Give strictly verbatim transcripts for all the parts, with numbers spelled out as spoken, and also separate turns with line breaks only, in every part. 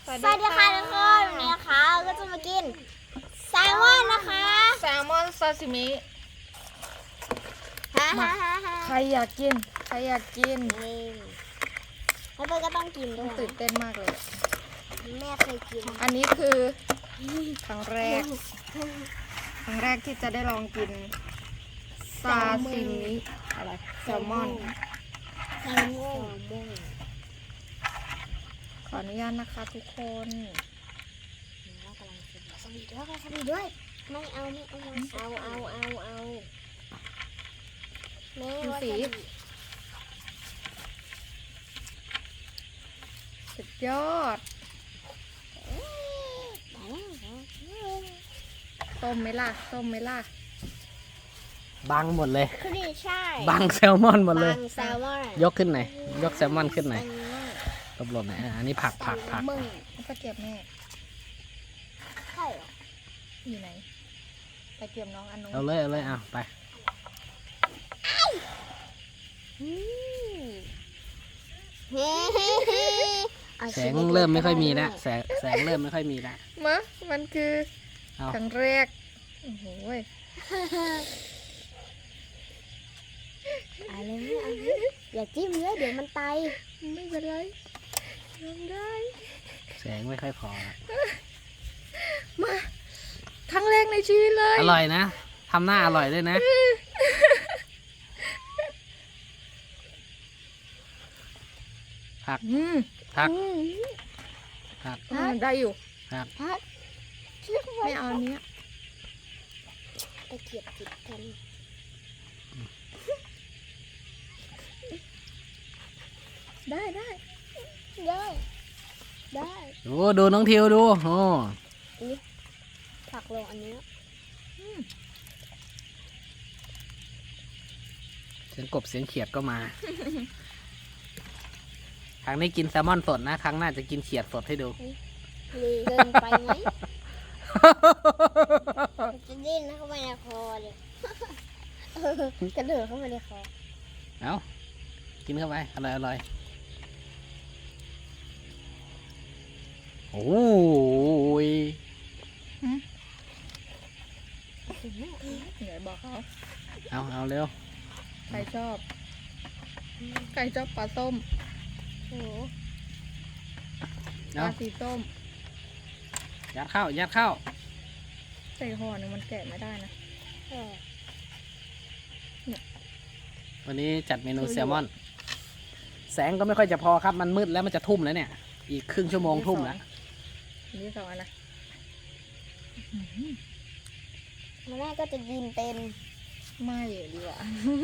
สวัสดีค่ะทุกคนวันนี้นะคะเราก็จะมากินแซลมอนนะคะ
แซลมอนซาซิมิ
มา
ใครอยากกินใครอยากกิน
นี่แล้วเพื่อนก็ต้องกินด้วย
ตื่นเต้นมากเลย
แม่เคยกิน
อันนี้คือครั้งแรกครั้งแรกที่จะได้ลองกินซาซิมิอะไรแซลมอน
แซลมอน
ขออนุญาตนะคะทุกคน
เรากำลังกินสวีด้วยสวีด้วยไม่เอาไม่เอาเอาเอาเอาเอาแม่ว่าจะ
สุดยอดต้มไหมล่ะต้มไหมล่ะ
บังหมดเลย
คือดีใช่
บังแซลมอนหมดเลย
บังแซลมอน
ยกขึ้นหน่อยยกแซลมอนขึ้นหน่อยตบหล่นหน่อยอันนี้ผักผักผัก
ตะเกียบแม่
ใช่เหรอ
อยู่ไหนตะเกียบน้องอันนู้น
เอาเลยเอาเลยอ่ะไปแสงเริ่มไม่ค่อยมีแล้วแสงแสงเริ่มไม่ค่อยมีแล้ว
มะมันคือครั้งแรกโอ้โห
อะไรไม่เอาอย่าจิ้มเยอะเดี๋ยวมันไต
ไม่เป็นไรทำได้
แสงไม่ค่อยพอ
มาครั้งแรกในชีวิตเลย
อร่อยนะทำหน้าอร่อยด้วยนะผักผักผัก
ได้อยู่
ผัก
ไม่เอาอันนี้
ตะเกียบติดกัน
ได้ได้
ได้ได้
ดูดูน้องทิวดูโอ้
ผักลงอันนี้
เสียงกบเสียงเขียดก็มาครั้งนี้กินแซลมอนสดนะครั้งหน้าจะกินเขียดสดให้ดู
เกินไปไหมจะดิ้นเข้าไปในคอเลยกระเดือกเข้าไปในคอ
เอากินเข้าไปอร่อยอร่อยโอ้ย
ไหนบอกเขา
เอาเอาเร็ว
ใครชอบใครชอบปลาส้ม
โอ้
ปลาสีส้ม
ยัดเข้ายัดเข้า
ใส่ห่อหนึ่งมันแกะไม่ได้นะ
วันนี้จัดเมนูแซลมอนแสงก็ไม่ค่อยจะพอครับมันมืดแล้วมันจะทุ่มแล้วเนี่ยอีกครึ่งชั่วโมงทุ่มแล้ว
นี่สองอันนะ
แม่ก็จะยินเป็น
ไม่ดีกว่า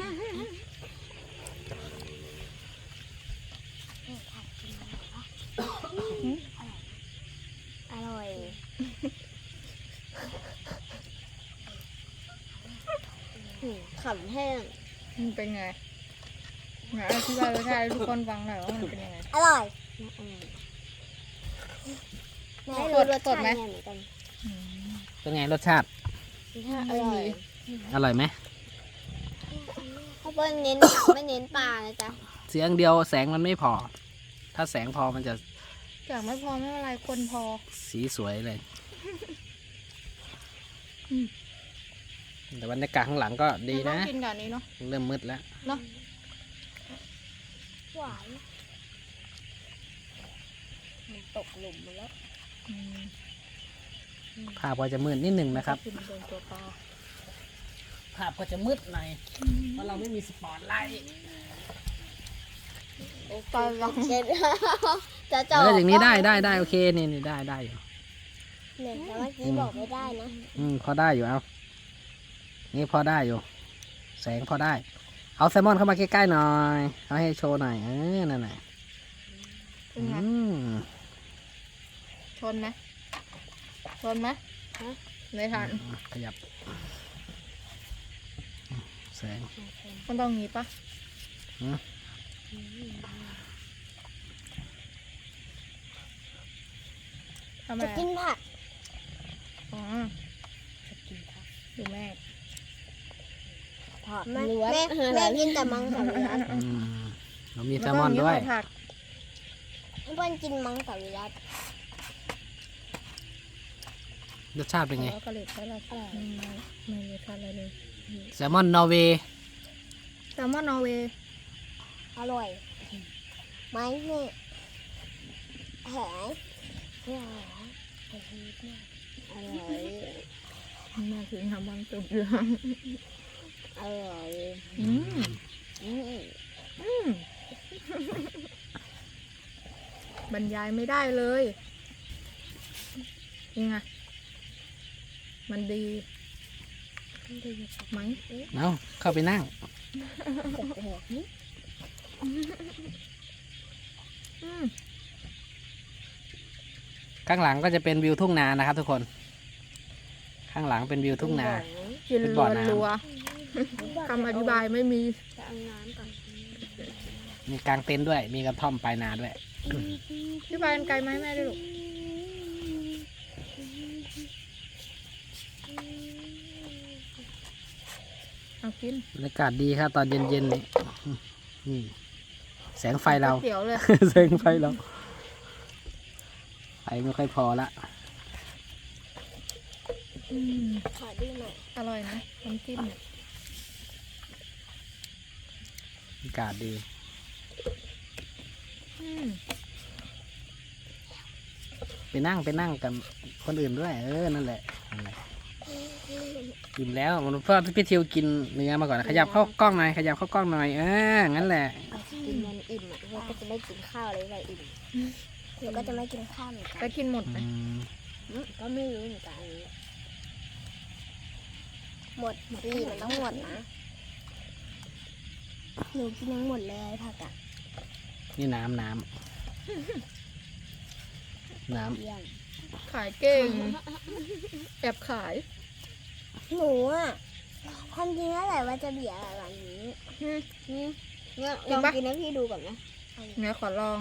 อร่อยขำแห้ง
มันเป็นไงไหนอธิบายรสชาติให้ทุกคนฟังหน่อยว่ามันเป็นยังไง
อร่อย
แม่รสสดไหม
เป็นไงรสชาติ
อร่อย
อร่อยไหม
เขาเป็นเน้นไม่เน้นปลานะจ๊ะ
เสียงเดียวแสงมันไม่พอถ้าแสงพอมันจะ
อยากไม่พอไม่เป็นไรคนพอ
สีสวยเลยแต่บรรยากาศข้างหลังก็ดีนะ
กินแบบนี้เนาะ
เริ่มมืดแล้ว
เนาะ
หวานมันตกหลุมมาแล้ว
ภาพก็จะมืดนิดหนึ่งนะครับภาพก็จะมืดหน่อยเพราะเราไม่มีสปอตไลท์
ตอนลองเช็ดจะจ
อดอย่างนี้ได้ได้ได้โอเคนี่นี่ได้ได้อยู่
เนี่ยแต่เมื่อกี้บอกไม่ได้นะ
อืมพอได้อยู่เอานี่พอได้อยู่แสงพอได้เอาแซลมอนเข้ามาใกล้ๆหน่อยเอาให้โชว์หน่อยเออนั่นหน่อย
ชนไหมชนไหมไม่ทัน
ขยับแสง
มันต้องงี้ปะ
จะกินผัก
อ๋อจะกินผักดูแม่
ผักแม่แม่กินแต่มังสวิรัติ
เรามีแซลมอนด้วย
เพื่อนกินมังสวิรัติ
รสชาติเป็นไง
แล้วกะหรี่ปั๊บละไม่ไม่รสชาติอะไรเลย
แซลมอนนอร์เวย์
แซลมอนนอร์เวย์
อร่อยไหมเนี่ยหายอร่อยอร่อย
มาถึงทำบางจุดเรื่อง
อร่อย
อืม
อืม
อืมบรรยายไม่ได้เลยยังไงมันดีไหม
เอาเข้าไปนั่ง
อืม
ข้างหลังก็จะเป็นวิวทุ่งนานะครับ ทุกคน ข้างหลังเป็นวิวทุ่งนา
กิน
เป็น
รั
บ่
ว
อน้ำ
รัวๆคำอธิบายไม่มี
จะเอาน้ำก่อน
มีกางเต็นท์ด้วย มีกระท่อมปลายนาด้วย
อธิบายกันไกลไหมแม่ด้วยลูกเอากิน
บรรยากาศดีครับ ตอนเย็นๆนี่นี่แสงไฟเรา
เดี๋ยวเลย
แสงไฟเรา ไฟไม่ค่อยพอละ
อืม
ขอดูหน่อย
อร่อยนะน้ำจิ้มเนี่ย
บรรยากาศดี
อืม
ไปนั่งไปนั่งกับคนอื่นด้วย เออ นั่นแหละนั่นแหละกินแล้วมันเพื่อพี่ทิวกินเนื้อมาก่อนนะขยับเข้ากล้องหน่อย ขยับเข้ากล้องหน่อย เออ งั้นแหละ
กินมันอิ่มอ่ะเราก็จะไม่กินข้าวเลยไปอิ่มเราก็จะไม่กินข้าวเหมือนกั
ไป
น
กินหมดไหม
อืม
อืมก็ไม่รู้เหมือนกันหมดพี่มันต้องหมดนะหนูกินทั้งหมดเลยผักอ่ะ
นี่น้ำน้ำ น้ำ
เยี่ยม
ขายเก่ง แอบขาย
หนูอ่ะความจริงแล้วแหละว่าจะเบียร์อะไรแบบนี้
อืม
นี่เนี่ย
จริ
ล
ง
อง
ปะ
กินให้พี่ดูก่อนนะ
เนี่ยขอลอง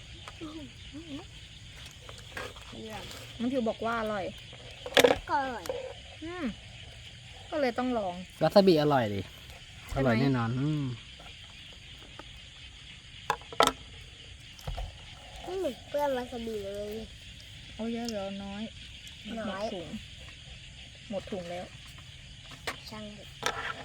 เยี่ยม
น้องทิวบอกว่าอร่อย
ก็อร่อย
อืมก็เลยต้องลอง
วาซาบิอร่อยดิ
ใช่
อ
ไหม
ร่อยแน่นอน อืม
ไม่เหมือนเพื่อนวาซาบิเลย
เอาเยอะเหลือน้อยหม
น้อ
ด
ย
ถุงหมดถุงแล้ว
ช่างเถอะ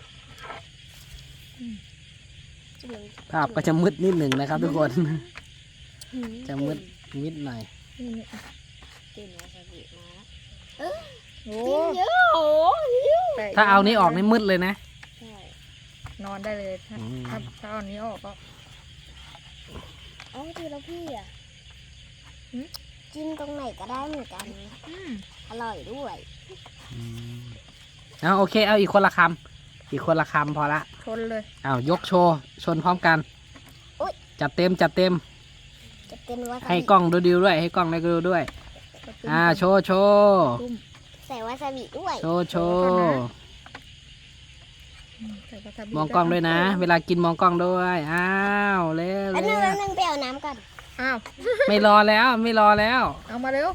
อืม
จิ้มน้ำ
ภาพก็จะมืดนิดหนึ่งนะครับ ทุกคน
อืม
จะมืดนิดหน่อย
นี่นี่
กินวาซาบิมาแล้ว
โอ้
กินเยอะโอ้ย
แต่
ถ้าเอานี้ออกนี่มืดเลยนะ
ใช่
นอนได้เลยถ้า
อืม
ถ้าถ้าเอานี้ออกก็
เอาทีละพี่อ่ะ
หืม
จิ้มตรงไหนก็ได้เหมือนกัน
อืม
อร่อยด้วย
อืมเอาโอเค เอาอีกคนละคำอีกคนละคำพอละ
ชนเลย
เอายกโชว์ ชนพร้อมกัน จัดเต็มจัดเต็ม
จะเป็นวาซา
ให้
บิ
กล้องดูดิวด้วย ให้กล้องได้ดูด้วย อ่า โชว์โชว์
ตุ้ม
ใส่วาซาบิด้วย
โชว์โชว์
อืมใส่วาซาบิ
มองกล้องด้วยนะ เวลากินมองกล้องด้วย อ้าวเร็ว
แล้ว
เร็
นึง
ว
แล้วนึงไปเอาน้ำก่อน
อ้าว
ไม่รอแล้วไม่รอแล้ว
เอามาเร็ว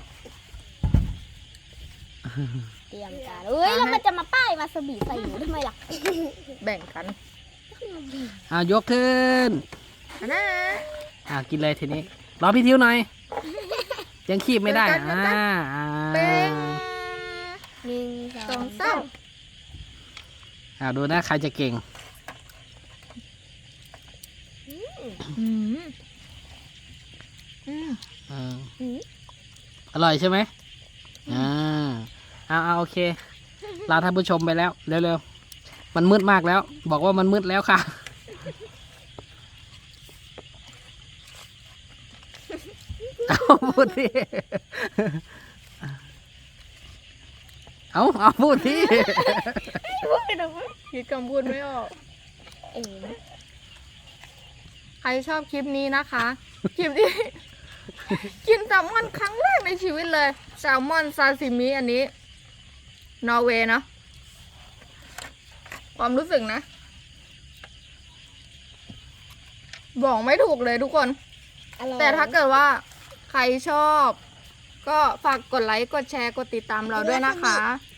เตรียมการเอ้ยแล้วมันจะมาป้ายวาซาบิใส่หนูทำไมล่ะ
แบ่งกัน
เอายกขึ้น
อันนะ
อ่ากินเลยทีนี้ รอพี่ทิวหน่อย ยังคีบไม่ได้
เดี๋ยวกัน
อ่าอ่า
เป็น
หนึ่งส
ส
อ
อง งสาม
อ่าดูนะใครจะเก่ง
อืมอืม
อืม
อืม
อร่อยใช่ไหมอ่าเอาเอาโอเค ลาท่านผู้ชมไปแล้ว เร็วๆ มันมืดมากแล้ว บอกว่ามันมืดแล้วค่ะ เอาพูดที่เอาเอาพูดที่
คิดคำพูดไม่ออก
เอ๋
ใครชอบคลิปนี้นะคะ คลิปนี้ กินแซลมอนครั้งแรกในชีวิตเลย แซลมอนซาซิมิอันนี้ นอร์เวย์เนาะความรู้สึกนะ บอกไม่ถูกเลยทุกคน
อร่อย
แต่ถ้าเกิดว่าใครชอบ ก็ฝากกดไลค์ กดแชร์ กดติดตามเราด้วยนะคะ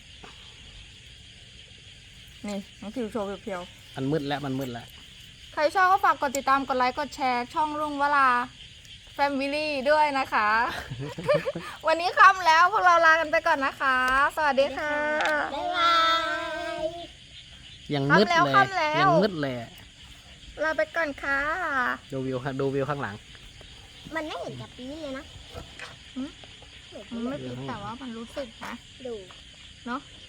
นี่น้องทิวโชว์เพียว
มันมืดแล้วมันมืดแล้ว
ๆใครชอบก็ฝากกดติดตาม กดไลค์ กดแชร์ ช่องรุ่งวลาแฟมิลี่ด้วยนะคะ วันนี้ค่ำแล้วพวกเราลากันไปก่อนนะคะ สวัสดีค่ะ
บ๊ายบาย
ยังมืด
ค่ำแล้ว
เลย
ค่ำแล้ว
ยังมืดเลยอะ
ลาไปก่อนค่ะ
ดูวิวค่ะดูวิวข้างหลัง
มันไม่เห็นกับปี๊ดเลยนะ
หืม
เห็น
มันไม่ปิดแต่ว่ามันรู้สึกนะ
ดู
เนาะ